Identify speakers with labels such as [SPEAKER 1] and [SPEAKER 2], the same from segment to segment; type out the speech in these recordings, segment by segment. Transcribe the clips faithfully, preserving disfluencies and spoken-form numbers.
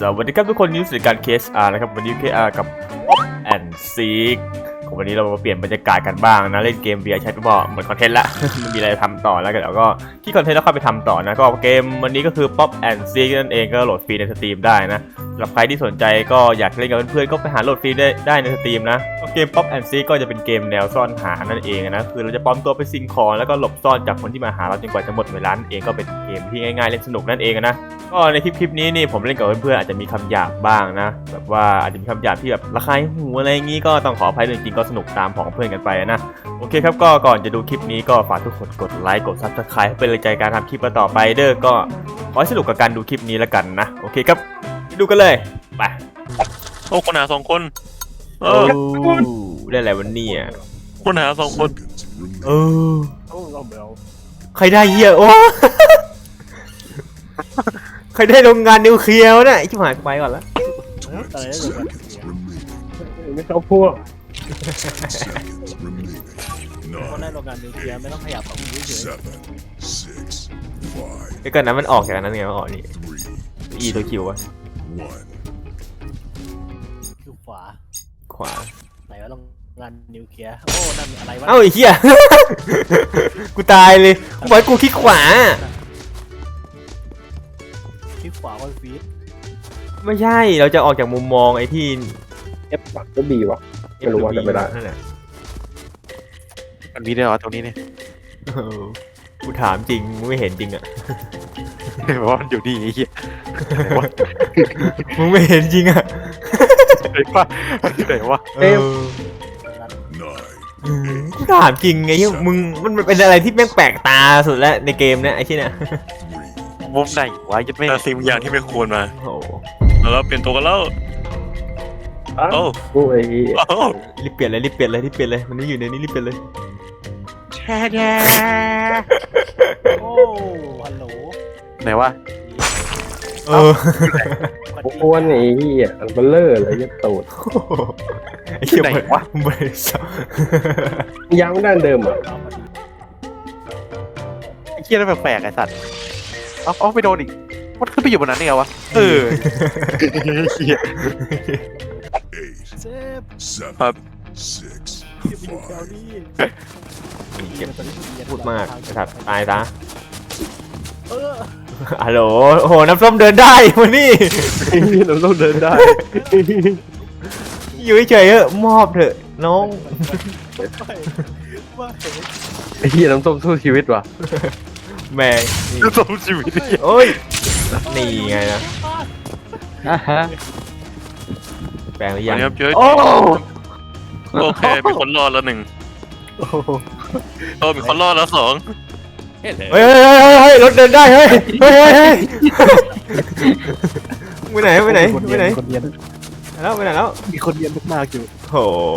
[SPEAKER 1] สวัสดีครับทุกคนนี่คือการ เค เอส อาร์ นะครับวันนี้ เค อาร์ กับ Pop and Seek วันนี้เรามาเปลี่ยนบรรยากาศกันบ้างนะเล่นเกม วี อาร์ Chat ก็เหมือนคอนเทนต์ละ ไม่มีอะไรทำต่อแล้วกันแล้วก็ที่คอนเทนต์แล้วเข้าไปทำต่อนะก็เกมวันนี้ก็คือ Pop and Seek นั่นเองก็โหลดฟรีในสตรีมได้นะสำหรับใครที่สนใจก็อยากเล่นกับเพื่อนๆก็ไปหาโหลดฟรีได้ได้ในสตรีมนะเกม Pop and Seek ก็จะเป็นเกมแนวซ่อนหานั่นเองนะคือเราจะปลอมตัวไปสิ่งของแล้วก็หลบซ่อนจากคนที่มาหาเราจนกว่าจะหมดเวลานั่นเองก็เป็นเกมที่ง่ายๆเล่นสนุกนั่นเองนะก็ในคลิปคลิปนี้นี่ผมเล่นกับเพื่อนๆอาจจะมีคำหยาบบ้างนะแบบว่าอาจจะมีคำหยาบที่แบบระคายหูอะไรอย่างนี้ก็ต้องขออภัยด้วยจริงๆก็สนุกตามของเพื่อนกันไปนะโอเคครับก็ก่อนจะดูคลิปนี้ก็ฝากทุกคนกดไลค์กดซับสไครป์ให้เป็นแรงใจการทำคลิปต่อไปเด้อก็ขอให้สนุกกับการดูคลิปนี้แล้วกันนะโอเคครับดูกันเลยไป
[SPEAKER 2] โอ้คนหาสองคนเอ
[SPEAKER 1] โอ้
[SPEAKER 2] อ
[SPEAKER 1] ได้อะไรวันนี้อ่ะ
[SPEAKER 2] คนหาสองคน
[SPEAKER 1] เออ
[SPEAKER 3] โอ้เราเบล
[SPEAKER 1] ใครได้เหี้ยโอ้ ใครได้โรงงานนิวเคลียร์เนี่ยชิบหายไปก่อนละ
[SPEAKER 3] อะไรได้เลยไม่เข้าพวกคนได้โรงงานนิวเคลียร์ไม่ต้องขยับฝั่งนี้เฉย
[SPEAKER 1] เดี๋ยวก่อนนะมันออกจากนั้นไงมันออกนี่อีตัวคิววะ
[SPEAKER 3] คือขวา
[SPEAKER 1] ขวา
[SPEAKER 3] ไหนว่าโรงงานนิวเคลียร์โอ้นั่นอะไรวะ
[SPEAKER 1] เอ้าไอ้เหี้ย กูตายเลยกูบอกให้กูคลิกขวา
[SPEAKER 3] ที่ขวาวันฟีด
[SPEAKER 1] ไม่ใช่เราจะออกจากมุมมองไอ้ที่
[SPEAKER 4] เอฟก็บีวะไม่รู้ว่าจะไม่ได้
[SPEAKER 1] นั่นแหละ
[SPEAKER 2] มันมีได้เหรอตรงนี้เนี่ย
[SPEAKER 1] เออกูถามจริงมึงไม่เห็นจริงอ่ะ
[SPEAKER 2] เพราะมันอยู่นี่ไอ้เหี้ย
[SPEAKER 1] มึงไม่เห็นจริงอ่ะ
[SPEAKER 2] ไหนวะไหนวะ
[SPEAKER 1] เออกูถามจริงไงมึงมันเป็นอะไรที่แม่งแปลกตาสุดแล้วในเกมเนี้ยไอ้ที่เนี่ย
[SPEAKER 2] มุมไหนวะยัดไม่สิ่งอย่างที่ไม่ควรมา
[SPEAKER 1] โอ้
[SPEAKER 2] แล้วเปลี่ยนตัวกันแล้ว
[SPEAKER 4] อ้าว
[SPEAKER 2] โอ้
[SPEAKER 4] กูไอ้
[SPEAKER 2] โอ้
[SPEAKER 1] รีบเปลี่ยนเลยรีบเปลี่ยนเลยรีบเปลี่ยนเลยมันไม่อยู่ในนี้รีบเปลี่ยนเลย
[SPEAKER 2] แช่แช่
[SPEAKER 3] โอ้ฮัลโหล
[SPEAKER 2] ไหนวะ
[SPEAKER 1] เออ
[SPEAKER 4] อ้วนไอ้เหี้ยอันเบลเลอร์เลยยัดตูด
[SPEAKER 1] ไอ้เหี้ยมันมันสับ
[SPEAKER 4] ยังไม่ด้านเดิมอ่ะ
[SPEAKER 2] ไอ้เหี้ยนั่นแปลกๆไอ้สัตว์เอ้าเอ้าไปโดนอีกมันขึ้นไปอยู่บนนั้นได้ไงวะเออเหี้ย
[SPEAKER 3] เซฟ
[SPEAKER 2] ครับ
[SPEAKER 3] อยู่แถวนี้
[SPEAKER 1] เจ็บพูดมากนะครับตายซะ
[SPEAKER 3] เออ
[SPEAKER 1] ฮัลโหลโอ้โหน้ำส้มเดินได้วันนี้
[SPEAKER 4] เราต้องเดินได้
[SPEAKER 1] อยู่เฉยๆเถอะมอบเถอะน้อง
[SPEAKER 3] ไม่ไม่
[SPEAKER 4] ไอ้เหี้ยน้ำส้มสู้ชีวิตว่ะ
[SPEAKER 1] แม่งนี่
[SPEAKER 2] สมชีวิตเนี่ย
[SPEAKER 1] โอ้ยนี่ไงนะ
[SPEAKER 4] อ่ะฮะ
[SPEAKER 1] แปลงหรือ
[SPEAKER 2] ยั
[SPEAKER 1] ยัง ง
[SPEAKER 2] ครับเจอ
[SPEAKER 4] โอ้
[SPEAKER 2] โอเคมีคนรอดแล้วหนึ่ง
[SPEAKER 3] โอ้โห
[SPEAKER 2] โอ้มีคนรอดแล้วสอง
[SPEAKER 1] เฮ้ยเฮ้ยเฮ้ยเฮ้ยรถเดินได้เฮ้ยเฮ้ยเฮ้ยเฮ้ยไปไหนไปไหนไปไหน
[SPEAKER 3] คนเรียน
[SPEAKER 1] แล้วไปไหนแล้ว
[SPEAKER 3] มีคนเรียนมากๆอยู่
[SPEAKER 1] โอ้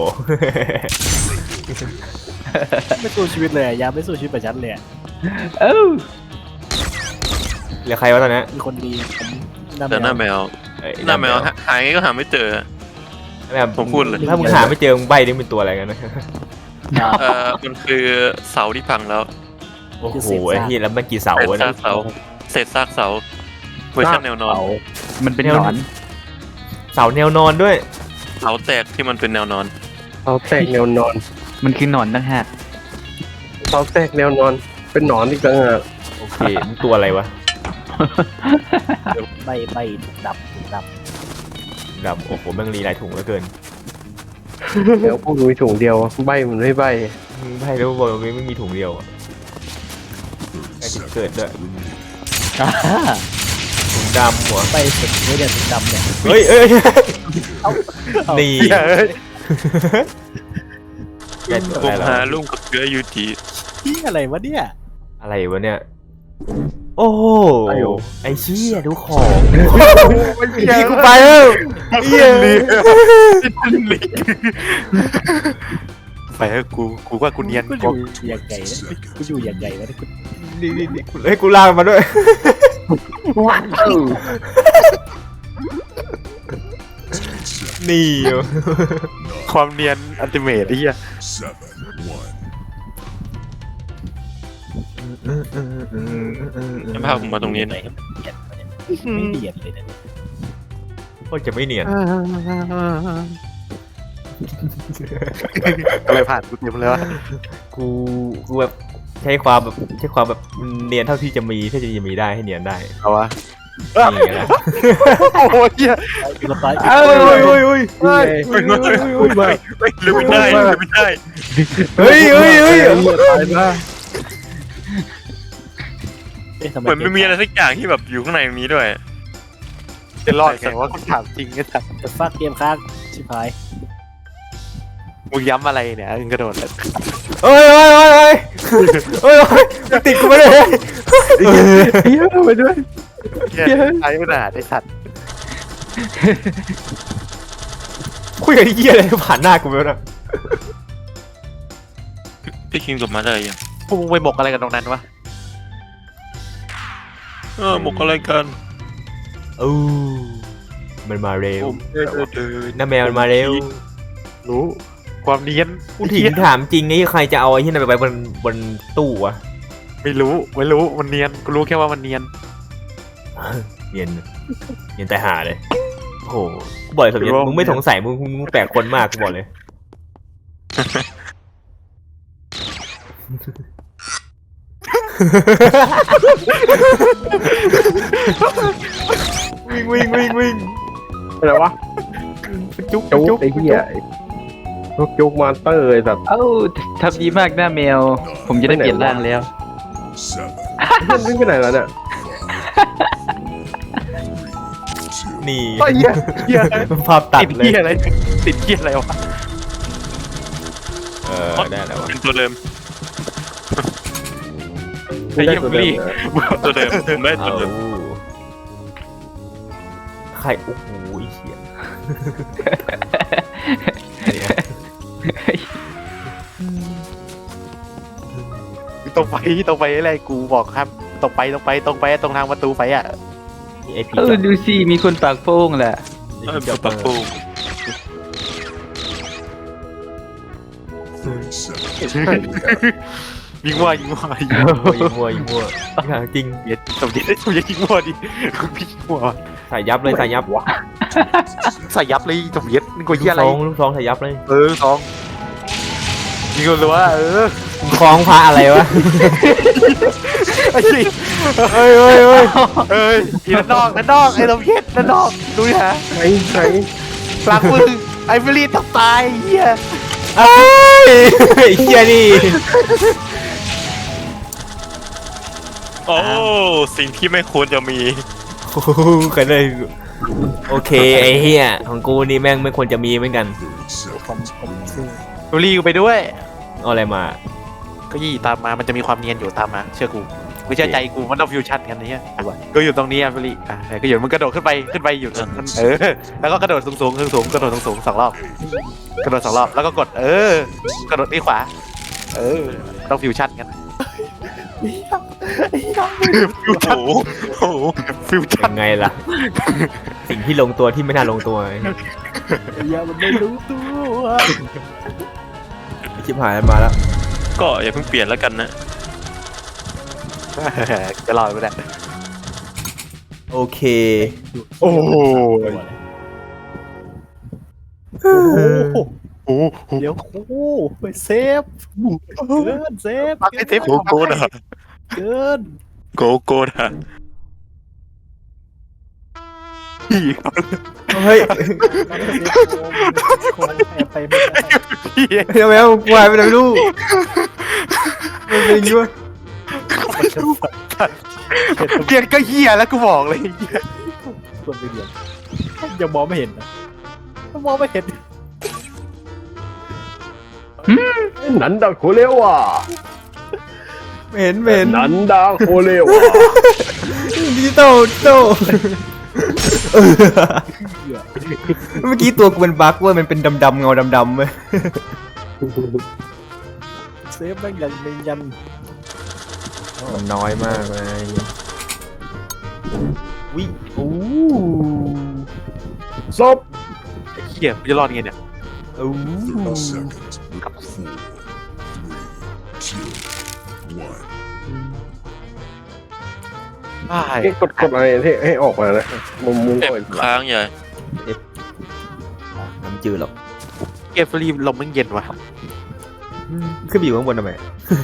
[SPEAKER 3] ไม่สู้ชีวิตเลยยามไม่สู้ชีวิตแบบฉันเลย
[SPEAKER 4] เอ้า
[SPEAKER 1] เหลือใครวะตอนนี้
[SPEAKER 3] มีคนดีผมนำ
[SPEAKER 2] แต่หน้าแมว
[SPEAKER 1] เอ้ย
[SPEAKER 2] หน้าแมวหาหาไงก็หาไม่เจอ
[SPEAKER 1] แบบ
[SPEAKER 2] ผมพูดเลย
[SPEAKER 1] ถ้ามึงหาไม่เจอมึงใบนี่เป็นตัวอะไรกันนะ
[SPEAKER 2] เอ่อมันคือเสาที่พังแล้ว
[SPEAKER 1] โอ้โหไอ้ที่แล้วมันกี่เสา
[SPEAKER 2] เศษ
[SPEAKER 1] วะ
[SPEAKER 2] ซา
[SPEAKER 1] นะ
[SPEAKER 2] กเสาเศษซากเสาเวอร์ชันแนวนอน
[SPEAKER 4] มันเป็นหนอน
[SPEAKER 1] เสาแนวนอนด้วย
[SPEAKER 2] เสาแตกที่มันเป็นแนวนอน
[SPEAKER 4] เสาแตกแนวนอน
[SPEAKER 5] มันคือหนอนต่างหาก
[SPEAKER 4] เสาแตกแนวนอน เป็นหนอนอีกต่างหาก
[SPEAKER 1] โอเคมึงตัวอะไรวะ
[SPEAKER 3] ใบใบดับดับ
[SPEAKER 1] แบบโอ้โหแม่งรีหลายถุงเหลือเกิน
[SPEAKER 4] แล้วพวกมีถุงเดียวใบมันไม่ใบ
[SPEAKER 1] มึงใบแล้วบอกว่าไม่มีถุงเดียวอะไอ้ที่เกิดด้วยถุงดำหัว
[SPEAKER 3] ใบเสร็จไม่เดือดดำเนี่ย
[SPEAKER 1] เฮ้ยเอ้ยนี่แกตัว
[SPEAKER 2] ผ
[SPEAKER 1] อะไร
[SPEAKER 2] ม
[SPEAKER 1] แล้ว
[SPEAKER 2] หาลุงกับเกลือยูที
[SPEAKER 3] ที่อะไรวะเนี่ย
[SPEAKER 1] อะไรวะเนี่ยโอ้โหไอ้เชี่ยดูของพี่กูไปแล้วเหี้ย
[SPEAKER 2] ไปเถอะกูกูว่ากูเนียน
[SPEAKER 3] กูอยู่อย่างไงนะกูอยู่อย่างไงวะเนี่ยกู
[SPEAKER 1] นี่นี่นี่กูให้กูลากมาด้วย นี่
[SPEAKER 2] ความเนียนอัลติเมทไอ้เหี้ย จะพาผมมาตรงนี้
[SPEAKER 3] ไหน
[SPEAKER 2] นะ
[SPEAKER 3] เบียดมาเนี่ยไม่เบียดเลยเนี่ย
[SPEAKER 1] ก็จะไม่เนียน
[SPEAKER 2] อะไรผ่านกูเต็มเลยวะ
[SPEAKER 1] กูกูแบบใช้ความแบบใช้ความแบบเนียนเท่าที่จะมีถ้าจะมีได้ให้เนียนได้
[SPEAKER 2] เอาวะ
[SPEAKER 1] นี่ไงล่ะ
[SPEAKER 2] โอ้โหเหี้ย
[SPEAKER 3] กระต่าย
[SPEAKER 1] เอ้ยเฮ้ยเฮ้ยเฮ้ย
[SPEAKER 2] เฮ้ยเฮ้ยเฮ้ยเฮ้ยเฮ้ยเฮ้ยลืมไม่ได้ลืมไม่ได้
[SPEAKER 1] เฮ้ยเฮ้ยเฮ้ย
[SPEAKER 4] ตายนะ
[SPEAKER 5] เหมือนไม่มีอะไรสักอย่างที่แบบอยู่ข้างในนี้ด้วย
[SPEAKER 2] จะรอดแต่ว่ากูถามจริงไอ้สัส
[SPEAKER 3] จะฟักเกมค้างชิบหาย
[SPEAKER 2] มึงย้ำอะไรเนี่ยมึงกระโดดเลย
[SPEAKER 1] เฮ้ยเฮ้ยเฮ้ยเฮ้ยเฮ้ยเฮ้ยติดกูไปเลย
[SPEAKER 4] เฮียไปด้วย
[SPEAKER 2] เหี้ยไอ้ขนาดไอ้สัตว์
[SPEAKER 1] คุยกับไอ้เหี้ยอะไรผ่านหน้ากูไปแล้วนะ
[SPEAKER 5] พี่คิงกลับมาได้ยัง
[SPEAKER 2] พวกมึงไปหมกอะไรกันตรงนั้นวะ
[SPEAKER 5] เออหมกอะไรกัน
[SPEAKER 1] อู้มันมาเร็ว
[SPEAKER 5] เดินเดิน
[SPEAKER 1] น้าแมวมันมาเร็ว
[SPEAKER 2] รู้ความเนียน
[SPEAKER 1] กูถึงถามจริงไอ้ใครจะเอาไอ้ที่นั่นไปไว้บนบนตู้วะ
[SPEAKER 2] ไม่รู้ไม่รู้มันเนียนกูรู้แค่ว่ามันเนียน
[SPEAKER 1] เนียนเนียนแต่หาเลยโอ้โหกูบอกเลยสมยศมึงไม่สงสัยมึงมึงมึงแปลกคนมากกูบอกเลยวิ่งวิ่งวิ่งวิ่ง
[SPEAKER 4] อะไรวะ
[SPEAKER 1] จุ๊ก
[SPEAKER 4] จุ
[SPEAKER 1] จุ๊
[SPEAKER 4] ก
[SPEAKER 1] ก
[SPEAKER 4] ไอ้เหี้ยพวกจุกมอนเตอร์ไอ้สัตว์
[SPEAKER 6] เอ้าทำดีมากหน้าแมว ผมจะได้เปลี่ยนร่างแล้ว
[SPEAKER 4] มันวิ่งไปไหนแล้วเนี่ย
[SPEAKER 1] นี่
[SPEAKER 2] ไอ้เหี้ยเหี้ย
[SPEAKER 1] ภาพตัด
[SPEAKER 2] ติด
[SPEAKER 1] เลย
[SPEAKER 2] เหี้ยอะไรติดเหี้ยอะไรวะ
[SPEAKER 1] เออได้แล้ววะ
[SPEAKER 5] เป็นตัวเดิม
[SPEAKER 2] ไอ้เหี้ยบุรี
[SPEAKER 5] ตัวเดิมผมได้ตัว
[SPEAKER 1] เอา
[SPEAKER 5] เดิม
[SPEAKER 1] ใครโอ้โหไอ้เหี้ยเนี่ย
[SPEAKER 2] ตรงไปตรงไปอะไรกูบอกครับตรงไปตรงไปตรงไปตรงทางประตูไปอ่ะ
[SPEAKER 1] นี่ไอพี
[SPEAKER 6] เออดูสิมีคนปากโป้งแหละ
[SPEAKER 5] เออปักปู
[SPEAKER 2] ยิงมั่วยิงมั่วยิง
[SPEAKER 1] ยิงมัวยิงมัวยิงมัวจริง
[SPEAKER 2] เย็ดสมเด็จสมเด็จยิงมั่วดิพี่ยิงมั่ว
[SPEAKER 1] ใส่ยับเลยใส่ยับ
[SPEAKER 2] ใส่ยับเลยสมเด็จนี่กู
[SPEAKER 1] ลู
[SPEAKER 2] เหี้ย
[SPEAKER 1] ก
[SPEAKER 2] อะไร
[SPEAKER 1] ซองลูกซองใส่ยับเลย
[SPEAKER 2] เออสองยิงกันเลยว่าเออ
[SPEAKER 1] คล้องพระอะไรวะ
[SPEAKER 2] ไอ้ยี่
[SPEAKER 1] เฮ้ยเฮ้ยเฮ้ย
[SPEAKER 2] เอ้ยอีนั่นนอกนั่นนอกไอ้สมเด็จนั่นนอกดูดิฮะ
[SPEAKER 4] ไหนไหน
[SPEAKER 2] หลังมือไอ้เบลีต้องตายเหี้ย
[SPEAKER 1] เอ้ยไอ้เหี้ยนี่
[SPEAKER 5] โอ้สิ่งที่ไม่ควรจะมี
[SPEAKER 1] โอ้โหกันเลยโอเคไอ้เหี้ยของกูนี่แม่งไม่ควรจะมีเหมือนกัน
[SPEAKER 3] ผมผมซื้อ
[SPEAKER 2] เบลีกูไปด้วย
[SPEAKER 1] เอาอะไรมา
[SPEAKER 2] ก็ยี่ตามมามันจะมีความเนียนอยู่ตามมาเชื่อกูไม่เชื่อใจกูมันต้องฟิวชั่นกันนี่ก็อยู่ตรงนี้อ่ะเบลีอ่ะก็อยู่มันกระโดดขึ้นไปขึ้นไปอยู่มันเออแล้วก็กระโดดสูงสูงสูงสูงกระโดดสูงสูงสองรอบกระโดดสองรอบแล้วก็กดเออกระโดดที่ขวาเออต้องฟิวชั่นกัน
[SPEAKER 5] โอ้โหโอ้โห
[SPEAKER 2] ฟิวชั่น
[SPEAKER 1] ยังไงล่ะ สิ่งที่ลงตัวที่ไม่น่าลงตัว
[SPEAKER 3] อย่ามันไม่รู้ตัว
[SPEAKER 1] ชิบหายมาแล้ว
[SPEAKER 5] ก็อย่าเพิ่งเปลี่ยนแล้วกันนะ
[SPEAKER 2] จะรอดไปได้
[SPEAKER 1] โอเค
[SPEAKER 2] โอ้โห
[SPEAKER 3] โอ้โหเดี๋ยวโอ้โหไปเซฟเกินเซฟ
[SPEAKER 2] ปักไอ้เทป
[SPEAKER 5] โกโก้นะ
[SPEAKER 3] เกิน
[SPEAKER 5] โกโก้นะ
[SPEAKER 2] พี่
[SPEAKER 1] เฮ้ย
[SPEAKER 3] คงแอบไปไม่ได้
[SPEAKER 2] พี่
[SPEAKER 1] ทำไมเอากูหายไปไหนไม่รู้มันเป็นอย่างงี้วะ
[SPEAKER 2] เรียนก็เหี้ยแล้วกูบอกเลย
[SPEAKER 3] ควรไปเรียนยังมองไม่เห็นนะมองไม่เห็น
[SPEAKER 4] นันดาโคเลวะ
[SPEAKER 1] ไม่เห็นไม่เห็น
[SPEAKER 4] นันดาโคเลวะ
[SPEAKER 1] ดิจิตอลดิจิตอลเออเมื่อกี้ตัวกูเป็นบั๊กเว้ยมันเป็นดำๆเงาดำๆเว้ย
[SPEAKER 3] เซฟแม่งยังไม่ยัน
[SPEAKER 1] มันน้อยมากเลยวิโอ้
[SPEAKER 4] ศพ
[SPEAKER 2] ไอ้เหี้ยจะรอดไงเนี่ย
[SPEAKER 1] โอ้
[SPEAKER 2] ใช่
[SPEAKER 4] กดกดอะไรให้ให้ออกมานะมุมมุม
[SPEAKER 5] เจ็บ
[SPEAKER 4] ก่อน
[SPEAKER 5] ค้างใหญ่
[SPEAKER 1] เอเจอหรอก
[SPEAKER 2] เกมฟรีลมมันเย็นว่ะ
[SPEAKER 1] อืมขึ้นไปอยู่ข้างบนทำไม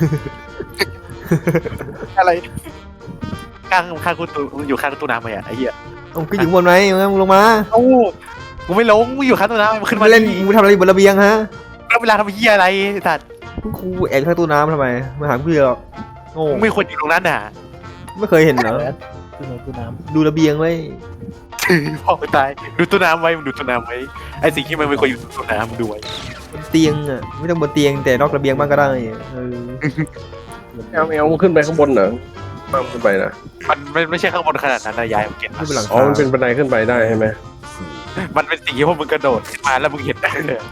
[SPEAKER 2] อะไรข้างข้างกูตูอยู่ข้างตู้น้ำไหมอ่ะไอ้เหี้ย
[SPEAKER 1] เอ้าขึ้นอยู่ข้างบนไหมมึงลงมา
[SPEAKER 2] โอ้กูไม่ลงกูอยู่ข้างตู้น้ำมันขึ้น
[SPEAKER 1] มา
[SPEAKER 2] มา
[SPEAKER 1] เล่นมึงทำอะไรอยู่บนระเบียงฮะ
[SPEAKER 2] แล้วเวลาทำเหี้ยอะไรสัตว์
[SPEAKER 1] กูแอบข้างตู้น้ำทำไมมาหาเพื่อนหรอกโง่
[SPEAKER 2] มึงไม่ควรอยู่ตรงนั้นน่ะ
[SPEAKER 1] ไม่เคยเห็นเหรอ
[SPEAKER 3] ตู้น้ำตู้น้
[SPEAKER 1] ดูระเบียงไว้
[SPEAKER 2] พ่อกูตายดูตู้น้ำไว้มึงดูตู้น้ำไว้ไอ้สิ่งที่มันไม่ควรอยู่ตู้น้ำมึงดูไว้
[SPEAKER 1] บนเตียงอ่ะไม่ต้องบนเตียงแต่นอกระเบียงบ้างก็ได้เออ
[SPEAKER 3] ำ
[SPEAKER 4] แอลแอลขึ้นไปข้างบนเหรอบ้างขึ้นไปนะ
[SPEAKER 2] มันไม่ไม่ใช่ข้างบนขนาดนั้นนะยายมึงเก็ต
[SPEAKER 1] ขึ้นไปหลัง
[SPEAKER 4] อ๋อ
[SPEAKER 1] คา
[SPEAKER 4] มันเป็นบันไดขึ้นไปได้ใช่ไหม
[SPEAKER 2] มันเป็นสิ่งที่พวกมึงกระโดดขึ้นมาแล้วมึงเห็นได้เลย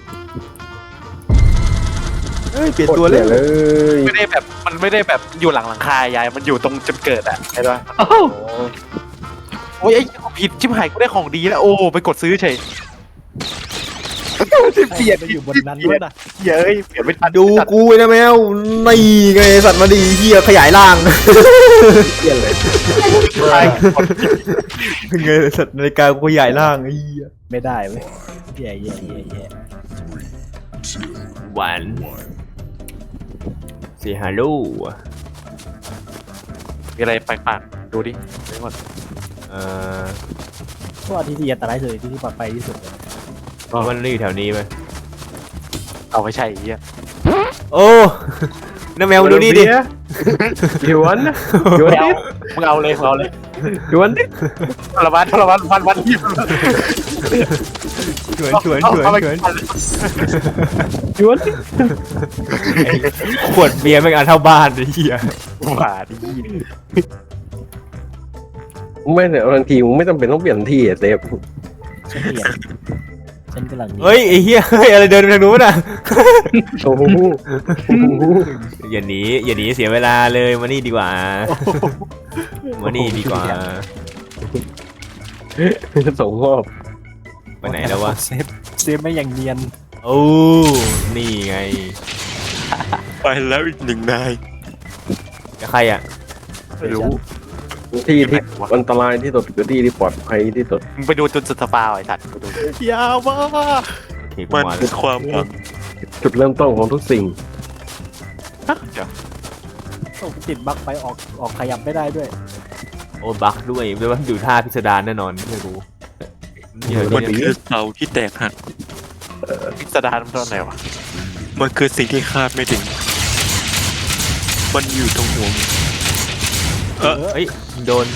[SPEAKER 1] เอ้ยเปลี่ยนตัวเลย
[SPEAKER 4] โคตรเลย
[SPEAKER 2] ไม่ได้แบบมันไม่ได้แบบอยู่หลังหลังคายายมันอยู่ตรงจุดเกิดอ่ะใช่ปะ
[SPEAKER 6] โอ้โห
[SPEAKER 2] โอ้ยไอ้กูผิดชิบหายกูได้ของดีแล้วโอ้ไปกดซื้อเฉย
[SPEAKER 3] เปลี่ยนไปอยู่บนนั้นด้วยนะ
[SPEAKER 2] เย้ยเปลี่ยนไม่ทัน
[SPEAKER 1] ดูกูไอ้นะแมวนี่ไงสัตว์มาดีเฮียขยายร่าง
[SPEAKER 4] เปลี่ยนเลย
[SPEAKER 2] ใช่
[SPEAKER 1] เป็นไงสัตว์นาฬิกากูขยายร่างไอ้เหี้ย
[SPEAKER 3] ไม่ได้เว้ยแย่แย่แย่แย่
[SPEAKER 1] หวานเสียฮัลโหล
[SPEAKER 2] มีอะไรแปลกๆดูดิไปหมด
[SPEAKER 1] เอ่อ
[SPEAKER 3] เพราะว่าที่ที่อันตรายสุดที่ที่ปลอดภัยที่สุดเลย
[SPEAKER 1] มันนี่อยู่แถวนี้ไหม
[SPEAKER 2] เอาไม่ใช่ไอ้เหี้ย
[SPEAKER 1] โอ้น้าแมวดูนี่ดิ
[SPEAKER 4] หยวนหยวนดิ
[SPEAKER 2] มึงเอาเลยมึงเอาเลย
[SPEAKER 4] หยวนดิ
[SPEAKER 2] ทรมานทรมานวันวันที่
[SPEAKER 1] ชวนชวนชวนชวน
[SPEAKER 4] หยวนดิ
[SPEAKER 1] ขวดเบียร์แม่งอันเท่าบ้านไอ้เหี้ย
[SPEAKER 2] หวาดิ
[SPEAKER 4] ไม่เนี่ยบางทีมึงไม่จำเป็นต้องเปลี่ยนที่อะเซฟ
[SPEAKER 3] ฉันเปลี่ยนฉันกำลัง
[SPEAKER 1] เฮ้ยไอ้เหี้ยเฮ้ยอะไรเดินไปทางนู้นอ่ะ
[SPEAKER 4] โอ้โห
[SPEAKER 1] อย่าหนีอย่าหนีเสียเวลาเลยมานี่ดีกว่ามานี่ดีกว่า
[SPEAKER 4] ส่งมอบ
[SPEAKER 1] ไปไหนแล้ววะ
[SPEAKER 3] เซฟเซฟไม่อย่างเนียน
[SPEAKER 1] โอ้นี่ไง
[SPEAKER 5] ไปแล้วอีกหนึ่งนาย
[SPEAKER 1] กับใครอ่ะ
[SPEAKER 2] ไม่รู้
[SPEAKER 4] ที่ที่อันตรายที่สุดคือที่ที่ปลอดภัยที่สุด
[SPEAKER 2] มึงไปดูจุดสุดสปาไอ้สัตว์กูดู
[SPEAKER 3] ยาวมาก
[SPEAKER 1] โอเคกู
[SPEAKER 5] มัน
[SPEAKER 1] มาแล้
[SPEAKER 5] คือ
[SPEAKER 1] ว
[SPEAKER 5] ความหวัง
[SPEAKER 4] จุดเริ่มต้นของทุกสิ่ง
[SPEAKER 2] เดี๋ยว
[SPEAKER 3] โอ้ติดบั๊กไปออกออกขยับไม่ได้ด้วย
[SPEAKER 1] โอ้บักด้วยด้วยว่าอยู่ท่าพิสดารแน่นอนไม่รู้เดี๋ยว
[SPEAKER 5] มัน
[SPEAKER 1] นี้
[SPEAKER 5] คือเสาที่แตกหัก
[SPEAKER 2] พิสดารมันตอนไหนวะ
[SPEAKER 5] มันคือสิ่งที่คาดไม่ถึง มันอยู่ตรงหัวมึงเออ
[SPEAKER 1] เฮ้ยโดน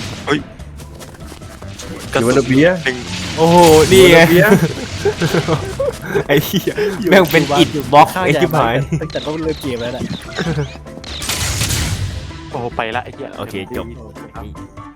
[SPEAKER 5] กระ
[SPEAKER 4] อยู่
[SPEAKER 5] สุ
[SPEAKER 4] บน
[SPEAKER 5] น
[SPEAKER 4] ระเบียง
[SPEAKER 5] หนึ่ง
[SPEAKER 1] โอ้โหนี่ไง
[SPEAKER 4] อยู่บนระเบียง
[SPEAKER 1] ไอ้เหี้ยแม่งเป็นอิดบล็อกไอ้ชิบหาย
[SPEAKER 3] ตั้งแต่ต้นเริ่มเกมแล้วแหละ
[SPEAKER 2] โอ้ไปละไอ้เหี้ย
[SPEAKER 1] โอเคจบ
[SPEAKER 3] โอ้